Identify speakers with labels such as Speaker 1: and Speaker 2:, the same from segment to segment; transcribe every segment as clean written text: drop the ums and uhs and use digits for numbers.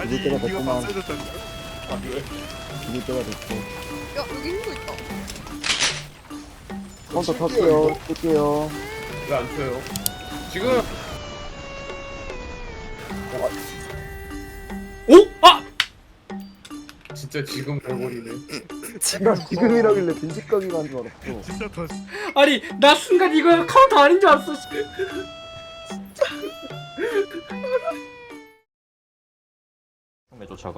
Speaker 1: 아니
Speaker 2: 때가
Speaker 1: 이거
Speaker 2: 됐구만.
Speaker 1: 봤어야 됐다니까. 아 그래?
Speaker 2: 죽을 때가 됐고.
Speaker 3: 야 여기 힘도 있다.
Speaker 2: 카운터 탔어요. 뜰게요.
Speaker 1: 왜 안 쳐요? 지금
Speaker 4: 오? 아!
Speaker 1: 진짜 지금 갈고리네.
Speaker 2: 나 지금이라길래 빈집가기 간줄 알았어.
Speaker 1: 진짜 더.
Speaker 4: 아니 나 순간 이거 카운터 아닌 줄 알았어.
Speaker 5: 왜 쫓아가?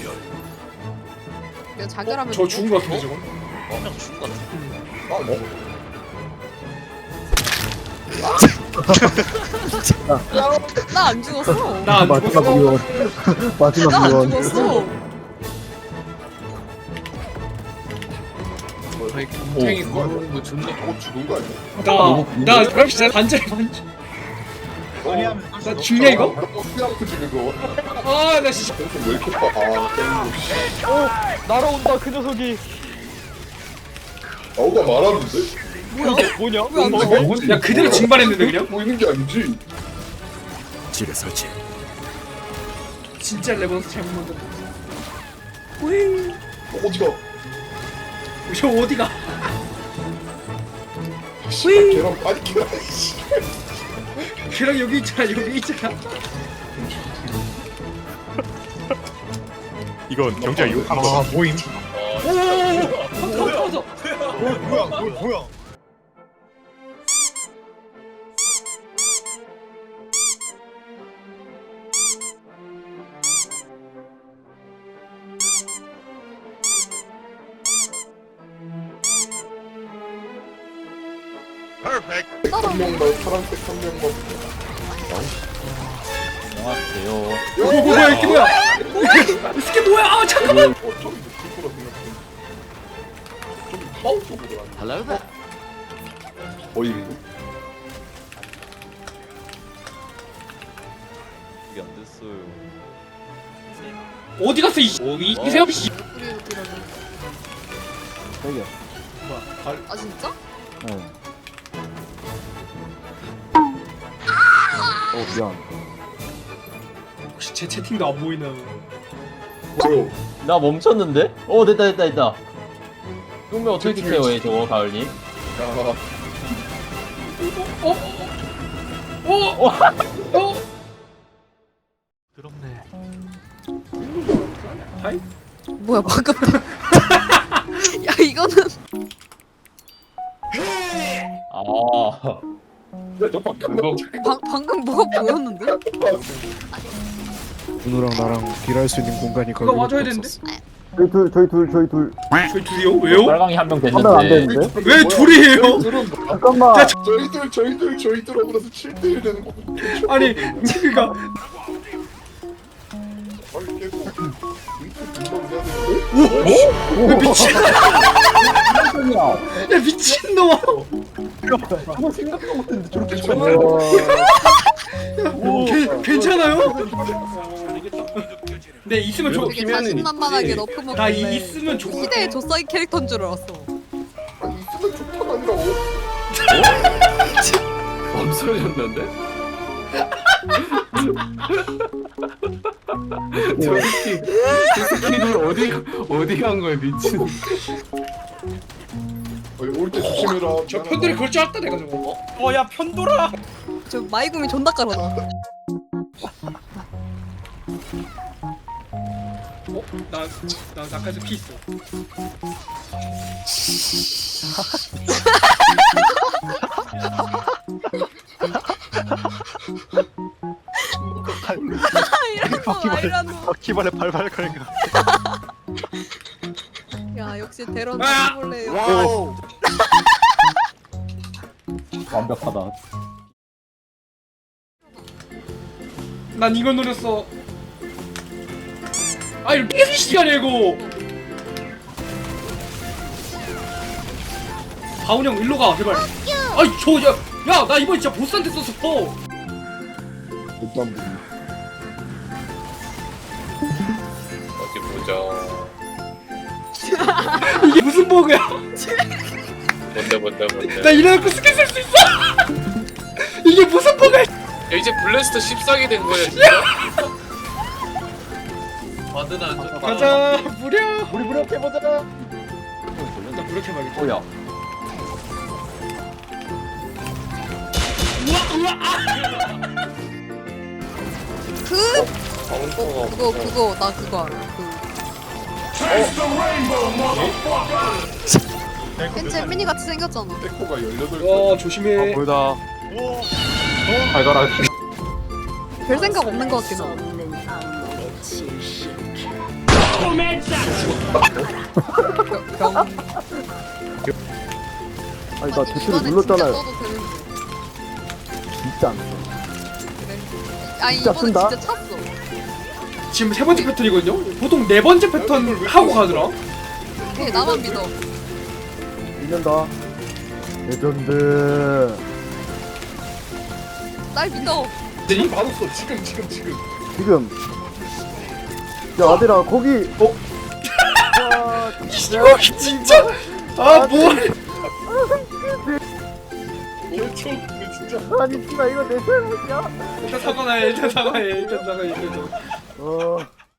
Speaker 3: 내가 자결하면.
Speaker 4: 저 죽은 거 같은데 저거?
Speaker 5: 그냥 죽은 것 같아.
Speaker 1: 아 뭐?
Speaker 3: 나 안 죽었어.
Speaker 4: 나 안
Speaker 2: 마지막
Speaker 4: 죽었어.
Speaker 2: 위원. 마지막
Speaker 3: 나 안
Speaker 2: 위원.
Speaker 3: 죽었어.
Speaker 1: 아니 곰탱이 거는 거 존나 죽은 거 아니야?
Speaker 4: 나 그럼 진짜 반절. 나 죽냐 이거?
Speaker 1: 어떻게 지금 그거?
Speaker 4: 아 나 진짜.
Speaker 1: 왜 이렇게 봐? 아
Speaker 5: 날아온다 그 녀석이.
Speaker 1: 아우가 말하는데?
Speaker 5: 뭐냐?
Speaker 3: 왜 안 죽어?
Speaker 4: 야 그대로 증발했는데 그냥?
Speaker 1: 보이는 게 아니지.
Speaker 6: 지뢰 설치.
Speaker 4: 진짜 레버넌스 잘못 만들었다.
Speaker 1: 어디가?
Speaker 4: 저 어디가?
Speaker 1: 걔랑 빨리 캐라.
Speaker 4: 걔랑 여기 있잖아 여기 있잖아.
Speaker 6: 이건 경제가 욕한 거. 아 모임.
Speaker 4: 터져.
Speaker 6: 뭐야?
Speaker 1: 한 명만 파란색 한 명만.
Speaker 5: 안녕하세요.
Speaker 4: 뭐야 이게 뭐야? 이게 뭐야? 아 잠깐만.
Speaker 1: 좀 느낄 거라 생각해. 좀 파워 쪽으로 안.
Speaker 5: Hello there.
Speaker 1: 거의
Speaker 5: 이게 안 됐어요.
Speaker 4: 어디 갔어 이 세엽 씨.
Speaker 3: 우리 이러고.
Speaker 2: 저기요.
Speaker 3: 아 진짜?
Speaker 2: 네. 미안.
Speaker 4: 혹시 제 채팅도 안 보이나?
Speaker 1: 뭐요?
Speaker 5: 나 멈췄는데? 됐다. 그러면 어떻게 해요, 얘 저거 가을님?
Speaker 1: 야.
Speaker 4: 하이?
Speaker 3: 뭐야 방금. 야 이거는
Speaker 5: 아,
Speaker 1: 야저 바깥
Speaker 3: 방금 뭐가 보였는데?
Speaker 6: 준우랑 나랑 딜할 수 있는 공간이 거기.
Speaker 4: 누가 와줘야 되는데?
Speaker 2: 저희 둘.
Speaker 4: 저희 둘이요? 왜요?
Speaker 5: 빨강이 한 명
Speaker 2: 한 명 안
Speaker 5: 됐는데.
Speaker 2: 되는데?
Speaker 4: 왜 둘이에요?
Speaker 2: 잠깐만.
Speaker 1: 저희들하고 나서 7대1 되는 거.
Speaker 4: 아니 그니까
Speaker 1: 빨리 깨고. 금방 해야 되는데?
Speaker 4: 야 미친놈아.
Speaker 1: 아무 생각도 못했는데 저렇게
Speaker 4: 괜찮아요? 네 있으면 좋.
Speaker 3: 되게 자신만만하게 너프 먹길래.
Speaker 4: 나 있으면 좋.
Speaker 3: 시대의 조사기 캐릭터인 줄 알았어.
Speaker 1: 아니 있으면 좋다가 아니라고.
Speaker 7: 없어졌는데? 저 스킬이 어디 간 거야 미친.
Speaker 1: 올때 조심해라.
Speaker 4: 저 편들이 그럴 줄 알았다 내가 저거. 야 편돌아.
Speaker 3: 저 마이구미 존나 깔아놔.
Speaker 4: 나 나까지 피 있어.
Speaker 3: 이러고 아이라노.
Speaker 6: 바퀴벌레 발발 거리는 거.
Speaker 3: 야 역시 대런
Speaker 4: 아!
Speaker 3: 해볼래요.
Speaker 1: 와우.
Speaker 5: 완벽하다.
Speaker 4: 난 이걸 노렸어. 아 이거 깨끗이 시간이야 이거. 바운 형 일로 가 제발. 아이 저야나 이번 진짜 보스한테 썼어.
Speaker 1: 일단
Speaker 7: 어디 보자.
Speaker 4: 이게 무슨 버그야?
Speaker 7: 뭔데.
Speaker 4: 나 이래놓고 스킬 쓸 수 있어. 이게 무슨 버그야?
Speaker 7: 야, 이제 블래스터 14기 된 거야 진짜?
Speaker 1: 와드는 안 좋다.
Speaker 4: 가자 무려.
Speaker 2: 우리 무력해보자.
Speaker 4: 나 무력해봐야겠다.
Speaker 5: 뭐야?
Speaker 3: 그거 나 그거 알아. 벤츠 미니 같이 생겼잖아.
Speaker 1: 백호가 18개.
Speaker 4: 어 조심해.
Speaker 6: 보이다. 발가락.
Speaker 3: 별 생각 없는 것 같긴 해. 병.
Speaker 2: 아니 나 대표를 눌렀잖아요. 진짜 안 써.
Speaker 3: 그래. 아니
Speaker 2: 진짜
Speaker 3: 이번에
Speaker 2: 쓴다?
Speaker 3: 진짜 찼어.
Speaker 4: 지금 세 번째 패턴이거든요. 보통 네 번째 패턴 하고 가더라.
Speaker 3: 오케이 나만 믿어.
Speaker 2: 이년다. 레전드.
Speaker 3: 날 믿어.
Speaker 1: 지금 받았어. 지금.
Speaker 2: 지금. 야 아들아 거기. 와,
Speaker 4: 이거 진짜. 아 뭐야?
Speaker 1: 결초. 근데 진짜.
Speaker 2: 아니 씨발 이거 내 잘못이야?
Speaker 4: 일단 사과해. 일단 사과해. 일단 사과해. 일단.
Speaker 2: 어.